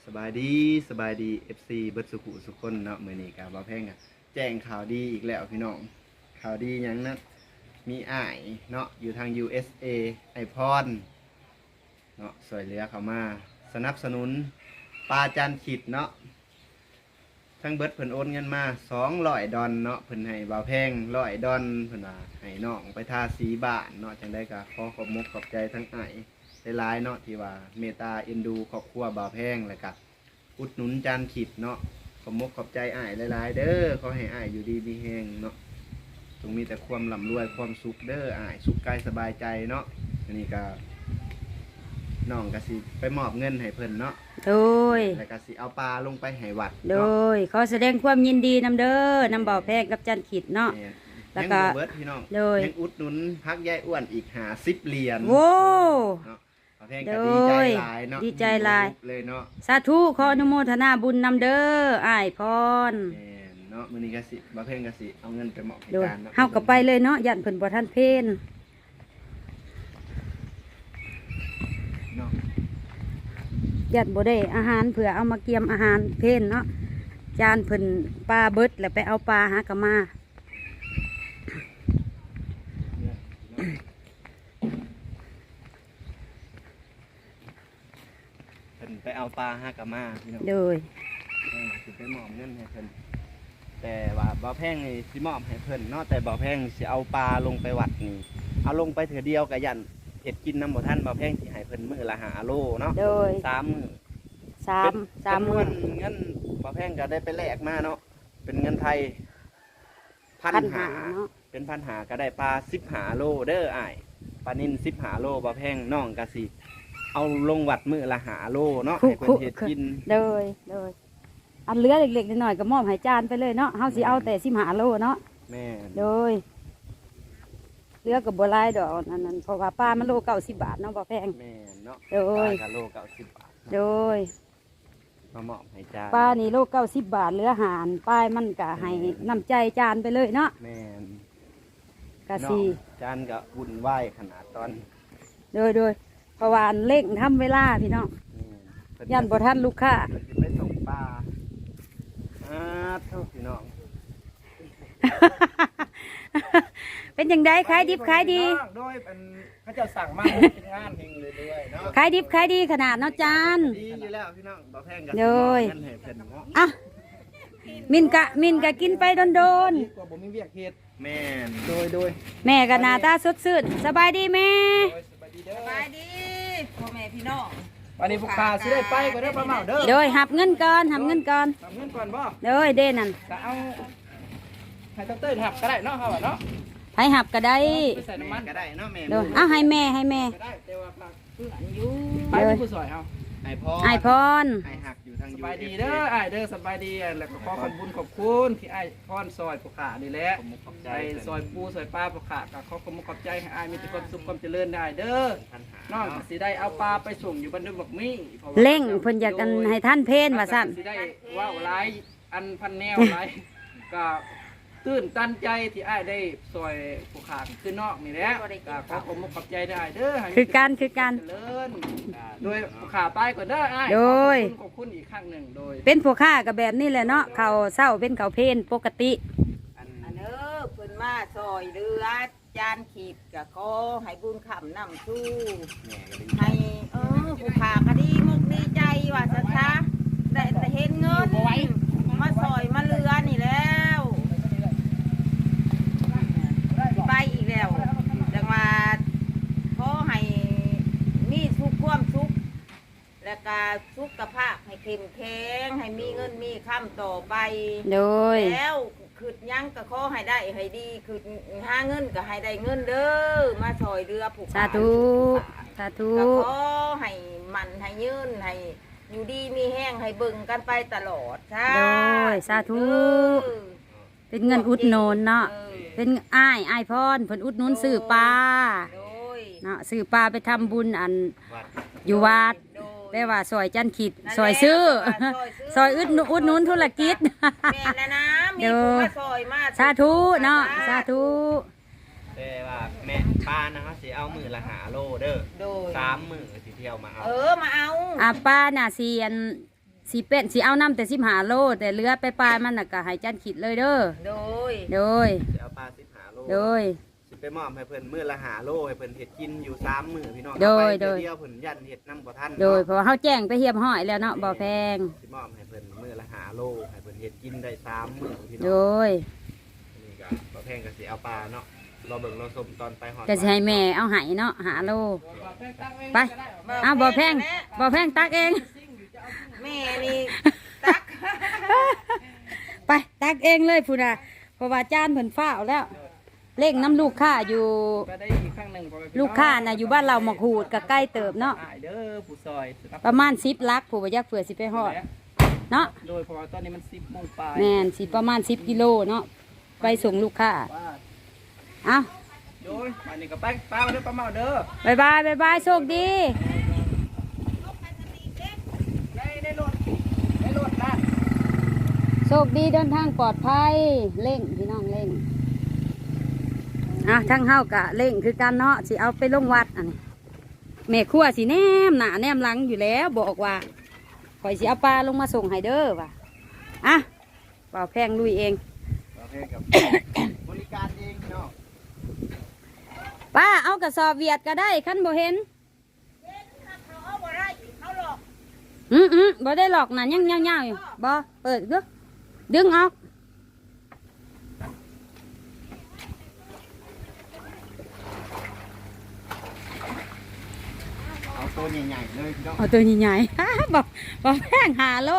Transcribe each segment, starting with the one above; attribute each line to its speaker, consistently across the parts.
Speaker 1: สบายดีFC เบิดสุขุสุขคนเนาะมื้อนี้ก็บ่าวแพงอะแจ้งข่าวดีอีกแล้วพี่น้องข่าวดีหยังนะมีอ้ายเนาะอยู่ทาง USA ไอพรเนาะช่วยเหลือเข้ามาสนับสนุนปลาจานขิดเนาะทั้งเบิดเพิ่นโอนเงินมา200ดอลเนาะเพิ่นให้บ่าวแพง100ดอลเพิ่นว่าให้น้องไปทาสีบ้านเนาะจังได๋ก็ขอขอบมุกขอบใจทั้งอ้ายหลายๆเนาะที่ว่าเมตตาเอ็นดูครอบครัวบ่าวแพงแล้วก็อุดหนุนจานขิดเนาะขอบมุกขอบใจอ้ายหลายๆเด้อขอให้อ้ายอยู่ดีมีแฮงเนาะจงมีแต่ความร่ำรวยความสุขเด้ออ้ายสุขกายสบายใจเนาะอันนี้ก็น้องก็สิไปมอบเงินให้เพิ่นเนาะ
Speaker 2: โดย
Speaker 1: แล้วก็สิเอาปลาลงไปให้วัด
Speaker 2: โดยขอแสดงความยินดีนำเด้อนำบ่าวแพงกับจันขิดเนาะ
Speaker 1: แล้วก็เบิดพี่น้องยังอุดหนุนพักยายอ้วนอีก50เหรียญ
Speaker 2: โว้
Speaker 1: เนาะบ่าวแพงก็ดีใจหลายเนาะ
Speaker 2: ดีใจหลาย
Speaker 1: เลยเนาะ
Speaker 2: สาธุขออนุโมทนาบุญนำเด้ออ้ายพร
Speaker 1: เนาะมื้อนี้ก็สิบ่าวแพงก็สิเอาเงินไปมอบให้
Speaker 2: โดย
Speaker 1: การเนาะ
Speaker 2: เฮาก็ไปเลยเนาะยันเพิ่นบ่ทันเพล
Speaker 1: เนาะ
Speaker 2: ยันบ่ได้อาหารเผื่อเอามาเกียมอาหารเพลเนาะจานเพิ่นปลาเบิดแล้วไปเอาปลาหากะมา
Speaker 1: เพิ่นไปเอาปลาหากะมาพี่น้อง
Speaker 2: โดย
Speaker 1: สิไปมอบเงินให้เพิ่นแต่ว่าบ่าวแพงนี่สิมอบให้เพิ่นเนาะแต่บ่าวแพงสิเอาปลาลงไปวัดนี่เอาลงไปเถื่อเดียวก็ยันเฮ็ดกินน้ำบ่ทันบ่าวแพงสิให้เพิ่นมื้อละ5โลเนาะ
Speaker 2: โดย
Speaker 1: 3มื้อ
Speaker 2: 3มื้อ
Speaker 1: เงินบ่าวแพงก็ได้ไปแลกมาเนาะเป็นเงินไทย1,500
Speaker 2: เนาะ
Speaker 1: เป็น1,500ก็ได้ปลา15โลเด้ออ้ายปลานิ่น15โลบ่าวแพงน้องก็สิเอาลงวัดมื้อละ5โลเนาะให้เพิ่นเฮ็ดกิน
Speaker 2: โดยอันเหลือเล็กๆน้อยๆก็มอบให้จานไปเลยเนาะเฮาสิเอาแต่15โลเนาะ
Speaker 1: แม่
Speaker 2: โดยเหลือก็บ่หลายดอกอันนั้นเพราะว่าปลามันโล90บาทเนาะบ่แพง
Speaker 1: แม่เนาะ
Speaker 2: โดย
Speaker 1: ปลาโล90บาท
Speaker 2: โดย
Speaker 1: มามอบให้จาน
Speaker 2: ปลานี่โล90บาทเหลือหารปลายมันก็ให้น้ำใจจานไปเลยเนาะ
Speaker 1: แม่
Speaker 2: กะสิ
Speaker 1: จานก็วุ่นวายขนาดตอน
Speaker 2: โดยเพราะว่าอันเร่งทำเวลาพี่น้องยันบ่ทันลูกค้า
Speaker 1: ไปส่งปลาเท่าพี่น้อง
Speaker 2: เป็นยังไงขายดิบขายดี
Speaker 1: โดยเป็นเขาจะสั่งมาเป็นงานเฮงเลยด้วยเนาะ
Speaker 2: ขายดิบขายดีขนาดเนาะจาน
Speaker 1: ดีอยู่แล้วพี่น้องบ่แพงกัน
Speaker 2: โดยอ่ะมินกะกินไปโดน
Speaker 1: กว่าบ่มีเวียกเฮ็ดแม่โดย
Speaker 2: แม่ก็หน้าตาสดชื่นสบายดีแม่
Speaker 3: สบายดีพ่อแม่พี่น้อง
Speaker 1: วันนี้พวกข้าสิได้ไปก็ได้ปลาเมาเด้อ
Speaker 2: โดยหับเงินก่อนบ่โดยเด้นั่น
Speaker 1: จะเอาให้เต้ยหับก็ได้เนาะเฮาเนาะ
Speaker 2: ให้หับก็ได้
Speaker 1: ใส่น้ำมันก็ได้เนาะแม่
Speaker 2: โดยเอาให้แม่
Speaker 1: ก็ได้แต่ว่าเพื่อนอยู่ไปผู้สวยเอาไอพรไอหักอยู่ทางสบายดีเด้อไอเด้อสบายดีแล้วก็ขอขอบคุณที่ไอพรซอยผู้ขานี่แหละไอซอยปูซอยปลาผู้ขาก็ขอขอบใจให้ไอมีแต่ความสุขความเจริญได้เด้อน้องสิได้เอาปลาไปส่งอยู่บ้านดงบักมี่
Speaker 2: เล่งเพิ่นอยากกันให้ท่านเพนว่าซั่น
Speaker 1: สิได้ว้าวหลายอันพันแนวหลายก็ตื่นตันใจที่ไอ้ได้ซอยผู้ขาขึ้นนอกนี่แหละขอขอบใจได้เด้อ
Speaker 2: คือการ
Speaker 1: โดยผู้ขาตายก่อนเด้อไอ้
Speaker 2: โดย
Speaker 1: ขอบคุณอีกครั้งหนึ่งโดย
Speaker 2: เป็นผู้ขากับแบบนี้แหละเนาะเขาเศร้าเป็นเขาเพนปกติ
Speaker 3: อันเพิ่นมาซอยเรือจานขีดก็ขอให้บุญคำนำสู้ให้ผู้ขาก็ดีมุกดีใจว่าซะได้เห็นเงินมาซอยมาเรือนี่แล้วไปอีกแล้วจังว่าขอให้มีสุขความสุขและก็สุขภาพให้เข้มแข็งให้มีเงินมีค่ำต่อไป
Speaker 2: โดย
Speaker 3: แล้วคือยังก็ขอให้ได้ให้ดีคือหาเงินก็ให้ได้เงินเด้อมาซอยเรือผูก
Speaker 2: สาธุ
Speaker 3: ก็ขอให้มันให้ยืนให้อยู่ดีมีแห้งให้เบิ่งกันไปตลอดใช่
Speaker 2: โดยสาธุเป็นเงินอุดหนุนเนาะเป็นอ้ายพรเพิ่นอุดหนุนซื้อปลาเนาะซื้อปลาไปทำบุญอันอยู่วัดแปลว่าซอยจันขิดซอยซื้อซอยอุดหนุนธุรกิจ
Speaker 3: แม่นะมีผู้มาซอยมา
Speaker 2: สาธุเนาะสาธุ
Speaker 1: แต่ว่าแม่ปลานะครับสิเอามือละ5โลเด้อ3 มื้อสิเที่ยวมาเอา
Speaker 3: มาเอา
Speaker 2: ปลาน่ะสิอันสิเอาน้ำแต่15 โลแต่เหลือไปปลายมันน่ะก็ให้จันขีดเลยเด้อ
Speaker 3: โดย
Speaker 2: โดย
Speaker 1: สิเอาปลา15 โล
Speaker 2: โดย
Speaker 1: สิไปมอบให้เพิ่นมื้อละ5 โลให้เพิ่นเฮ็ดกินอยู่3 มื้อพี่น้อง
Speaker 2: โดย
Speaker 1: เอาไป
Speaker 2: โดย
Speaker 1: เดียวเพิ่นยันเฮ็ดนำบ่ทัน
Speaker 2: โดยเพราะว่าเฮาแจ้งไปเฮียบห้อยแล้วเนาะบ่แพง
Speaker 1: สิมอบให้เพิ่นมื้อละ5 โลให้เพิ่นเฮ็ดกินได้3 มื้อพี่น้
Speaker 2: โด
Speaker 1: อง
Speaker 2: ย
Speaker 1: นี่ก็บ่แพงก็สิเอาปลาเนาะรอเบิ่งรอชมตอนไปฮอด
Speaker 2: ก็สิให้แม่เอาให้เนาะ5 โลไปเอาบ่แพงตักเอง
Speaker 3: แม่นี่ตัก
Speaker 2: ไปตักเองเลยพุ่นน่ะเพราะว่าจานเพิ่นฟ้าวแล้วเร่งน้ำลูกค้าอยู่
Speaker 4: ก็ได้อีกครั้งหนึ่ง
Speaker 2: ลูกค้าน่ะอยู่บ้านเราหมกหูดก็ใกล้เติบเนาะ
Speaker 4: เด้อผู้ซอย
Speaker 2: ประมาณ10 ลักผู้บ่อยากเผื่อสิไปฮอดเนาะ
Speaker 4: โดยเพราะว่าตอนนี้มัน10 โมงปลาย
Speaker 2: แม่นสิประมาณ10 กิโลเนาะไปส่งลูกค้า
Speaker 4: ว่า
Speaker 2: เอ้า
Speaker 4: โดยวันนี้ก็ไปป้าเด้อป้าเมาเด้อ
Speaker 2: บ๊ายบายโชคดี
Speaker 4: ในรถนะ
Speaker 2: โชคดีเดินทางปลอดภัยเร่งพี่น้องเร่งทั้งเฮากะเร่งคือกันเนาะสิเอาไปลงวัดอันนี้แม่ครัวสิแนมหน้าแนมหลังอยู่แล้วบอกว่าข่อยสิเอาปลาลงมาส่งให้เด้อว่ะเปล่าแพงลุยเอง
Speaker 1: บ่แพงกับบริการเองพี่น้อง
Speaker 2: ป้าเอากระสอบเวียดก็ได้ขั้นบ่เห็นบ่ได้หลอกน่ะยังเงาๆอยู่บ่เปิดดึงออก
Speaker 1: เอาตัวใหญ่ๆเลยพี่น้อง
Speaker 2: เอาตัวใหญ่ๆ บ่แพง5 โล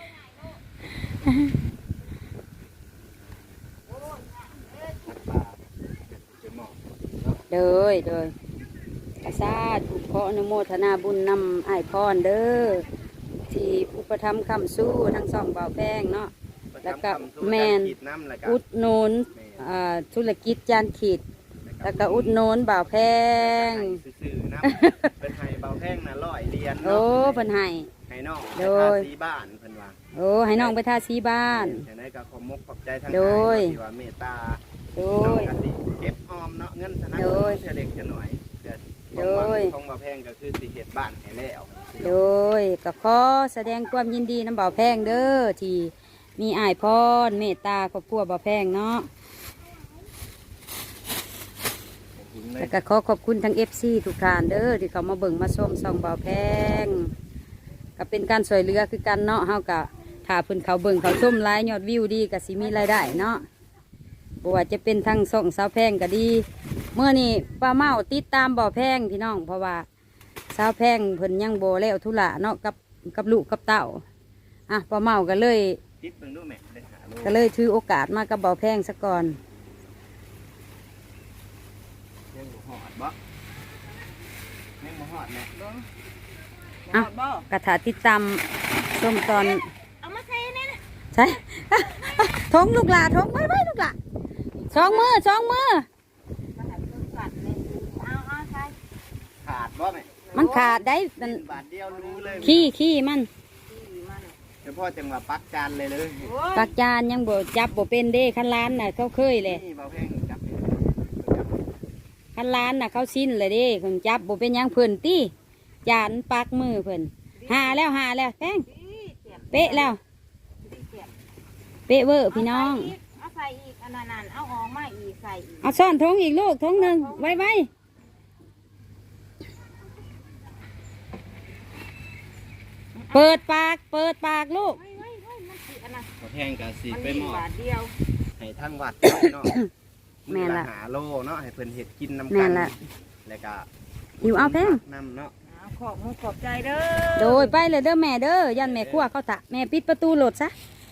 Speaker 1: จะเหมาะ
Speaker 2: เด้ออาซาถูกขออนุโมทนาบุญนำอ้ายพรเด้อที่อุปถัมภ์คำสู้ทั้งสองเบาแพงเนาะ แล้วก็แม่น อุดหนุนธุรกิจจานขีด แล้วก็อุดหนุนเบาแพง
Speaker 1: ซื่อๆนะเป็นไห้เบาแพงนะ100 เหรียญ
Speaker 2: โอ้
Speaker 1: เนาะ
Speaker 2: เพิ่นให้
Speaker 1: ให้น้อง
Speaker 2: โด
Speaker 1: ไป
Speaker 2: ย
Speaker 1: ทาสีบ้านเพิ่นว่า
Speaker 2: โอ้ให้น้องไปทาสีบ้าน
Speaker 1: ฉะนั้นก็ขอมกขอบใจทาง
Speaker 2: โดย
Speaker 1: ที่ว่าเมตตา
Speaker 2: โด
Speaker 1: น้อง
Speaker 2: ย
Speaker 1: ก็สิเก็บออมเนาะเงินธนา
Speaker 2: โด
Speaker 1: คาร
Speaker 2: ย
Speaker 1: เฉเล็กเฉหน่อยเดี๋ยว
Speaker 2: โดย
Speaker 1: ของบ่แพงก็คือสิเฮ็ดบ้านให้แล้ว
Speaker 2: โดยก็ขอแสดงความยินดีน้ำเบาแพงเด้อที่มีอ้ายพรเมตตาครอบครัวเบาแพงเนาะ แล้วก็ขอขอบคุณทั้ง FC ทุกท่านเด้อที่เขามาเบิ่งมาชมส่องเบาแพงก็เป็นการสวยเรือคือกันเนาะเฮาก็ถ้าเพิ่นเขาเบิ่งเขาชมไลฟ์ยอดวิวดีก็สิมีรายได้เนาะบ่ว่าจะเป็นทั้งส่องสาวแพงก็ดีเมื่อนี้ป้าเมาติดตามเบาแพงพี่น้องเพราะว่าสาวแพงเพิ่นยังบ่แล้วธุระเนาะกับลูกกับเต้าป้าเมาก็เลย
Speaker 1: ติดเบิ่งดูแม่ได้หาโล
Speaker 2: ก็เลยถือโอกาสมากับเบาแพงซะก่อน
Speaker 1: ยังบ่ฮอดบ่ยังบ่ฮอดแม่
Speaker 2: อ่ะ
Speaker 3: บ่
Speaker 2: กระถาติดตามชมตอน
Speaker 3: เอามาใส่นี่นะ
Speaker 2: ใช่ ทงลูกหลาทงไว้ลูกหลาสองมือ
Speaker 3: มาให้เพิ่นกัดเลยเอาใส่
Speaker 1: ขาดบ่แม่
Speaker 2: มันขาดได้มัน
Speaker 1: บาทเดียวรู้เลย
Speaker 2: ขี้มัน
Speaker 3: ที่มัน
Speaker 1: เฉพาะจังหวะปักจานเลย
Speaker 3: โอ้ย
Speaker 2: ปักจานยังบ่จับบ่เป็นเด้คันล้านน่ะเขาเคยเลย
Speaker 1: นี่เบาแพงจับ
Speaker 2: คันล้านน่ะเขาสิ้นเลยเด้คนจับบ่เป็นหยังเพิ่นตี้จานปักมือเพิ่นหาแล้วแป้งเป๊ะแล้ว เป๊ะเวอร์พี่น้อง
Speaker 3: เอาใส่อีกอันนั้นเอาออกมาอีกใส่อีก
Speaker 2: เอาซ่อนทงอีกลูกทงหนึ่งไว้เปิดปากลูก
Speaker 3: มันสิอันนั้น
Speaker 1: เบาแพงกับสี
Speaker 3: มัน
Speaker 1: ไป
Speaker 3: มี
Speaker 1: มอ
Speaker 3: บบาทเดียว
Speaker 1: ให้ทั้งวัดเนาะ
Speaker 2: แม่นละ
Speaker 1: หาโลเนาะให้เพิ่นเฮ็ดกินน้ำ
Speaker 2: แม่
Speaker 1: กัน
Speaker 2: นละ
Speaker 1: แล้วก็
Speaker 2: หิวเอาแพง
Speaker 1: น้ำเนาะ
Speaker 3: เอาขอบมือขอบใจเด้อ
Speaker 2: โดยไปเลยเด้อแม่เด้อยันแม่ครัวเขาตะแม่ปิดประตูโหลดซะ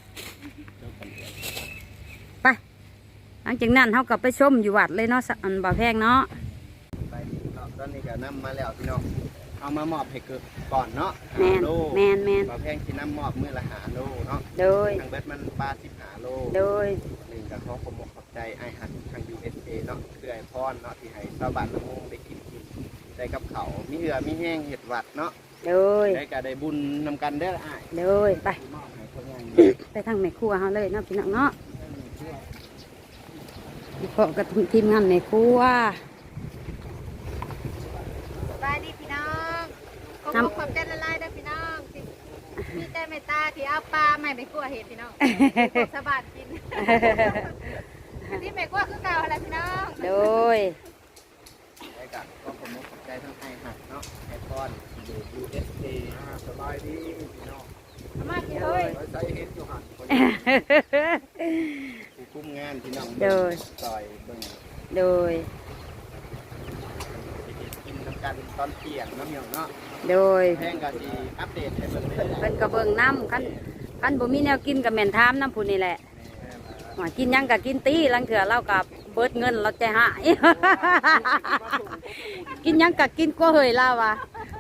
Speaker 2: ไปหลังจากนั้นเขากลับไปชมอยู่วัดเลยเนาะอันบ่าวแพงเนาะ
Speaker 1: ไปเนาะตอนนี้ก็นำมาแล้วพี่น้องเอามามอบให้เกิดก่อนเนาะ
Speaker 2: แมน
Speaker 1: โล
Speaker 2: แมน
Speaker 1: เบาแพงสินำมอบมื้อละ5 โลเนาะ
Speaker 2: โดย
Speaker 1: ทางเบิดมันปลา15 โล
Speaker 2: โดย
Speaker 1: หนึ่งก็ขอขอบใจไอ้หักทาง USA เนาะคือไอพรเนาะที่ให้ชาวบ้านละมุงได้กินได้กับเขาวมีเหือมีแห้งเห็ดหวัดเนาะ
Speaker 2: โดย
Speaker 1: ได้ก็ได้บุญนำกันได้ออ้าย
Speaker 2: โดยไป
Speaker 1: มอบให้คนงาน
Speaker 2: ไปทางแม่ครัวเขาเลยเนาะพี่น้องเนาะพอกับทีมงานแม่ครัว
Speaker 3: สบายดีพี่น้องขอบ
Speaker 2: น้ำ
Speaker 3: คุณขอบใจละลายเด้อพี่น้อง
Speaker 5: มีแต่เมตตาที่เอาปลาใหม่ไปคั่วเห็ดพี่น้องพวกสะบัดกินที่ไม่คั่วคือเก่าอะไรพี่น้อง
Speaker 2: โดย
Speaker 1: ได้กับก็ผมขอบใจทั้งไอหักเนาะไอพอนอยู่ USA สบายดีพี่น้อง
Speaker 5: เอามากินเลย
Speaker 1: ใส่เห็นอยู่หันคนผู้คุมงานพี่น้อง
Speaker 2: โดย
Speaker 1: ซอยเบิ่ง
Speaker 2: โดย
Speaker 1: กินน้ำกันตอนเที่ยงน้ำเหนียวเนาะ
Speaker 2: โดย
Speaker 1: แพงก็สิอัปเดตให้เบิ่งเลย
Speaker 2: เพิ่นก็เบิ่งน้ำคันบ่มีแนวกินก็แม่นถามน้ำผู้นี่แหละว่ากินหยังก็กินตีลังเถื่อเราก็เบิดเงินเราใจหาย กินหยังก็กินกว่าเฮยเราว่ะ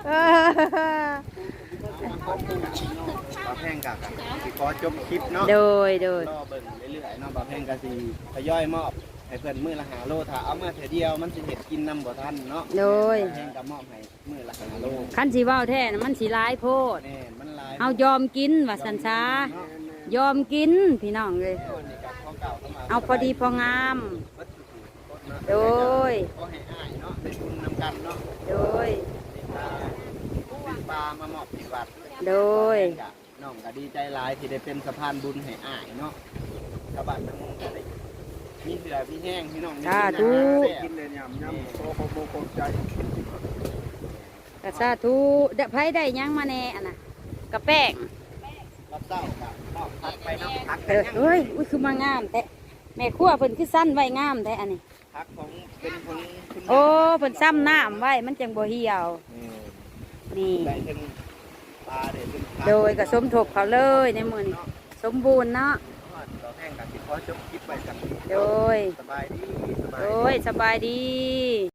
Speaker 1: บ่แพงก็สิขอจบคลิปเนาะ
Speaker 2: โดยโดย
Speaker 1: รอเบิ่งเรื่อยๆเนาะบ่แพงก็สิทยอยมอบให้เพิ่นมื้อละ5โลถ้าเอามาเทื่อเดียวมันสิเฮ็ดกินนำบ่ทันเนาะ
Speaker 2: โดย
Speaker 1: แพงก็มอบให้มื้อละ5โล
Speaker 2: คันสิเว้าแท้น่ะมันสิหลายโพด
Speaker 1: แน่มันหลาย
Speaker 2: เฮายอมกินว่าสันซายอมกินพี่น้องเลย
Speaker 1: นี่ก็ของเก่าเข้ามา
Speaker 2: เอาพอดีพองาม โดย
Speaker 1: ก็ให้อ้ายเนาะได้ทุนนำกันเนาะ
Speaker 2: โดย
Speaker 1: เป็นปลามามอบที่วัด
Speaker 2: โดย
Speaker 1: น้องก็ดีใจหลายที่ได้เป็นสะพานบุญให้อ้ายเนาะชาวบ้านทั้งหมดก็ได้มีเสือพี่แห้งพี่น้องมี
Speaker 2: สาธุ
Speaker 1: กินเลยยำยำโตโคใจ
Speaker 2: กระซาทูไผได้หยังมาแน่อะนะกระแป้ง
Speaker 1: รับเศร้ากับนอกพักไปเนาะพัก
Speaker 2: เอ้ยอุ้ยคือมางามแต่แม่ครัวเพิ่นคือสั้นไว้งามแต่อันนี้
Speaker 1: พักของเป็นคนคุณ
Speaker 2: โอ้เพิ่นซ้ำน้ำไว้มันจังบ่เหี่ยว นี่
Speaker 1: ได้ถึงปลาเด็ดถึง
Speaker 2: โดยก็สมทบเขาเลยในมื้อนี้สมบูรณ์เนาะ
Speaker 1: เราแห้งกับที่ขอจบคลิปไปกัน
Speaker 2: โดย
Speaker 1: สบายดีสบาย
Speaker 2: โดยสบายดี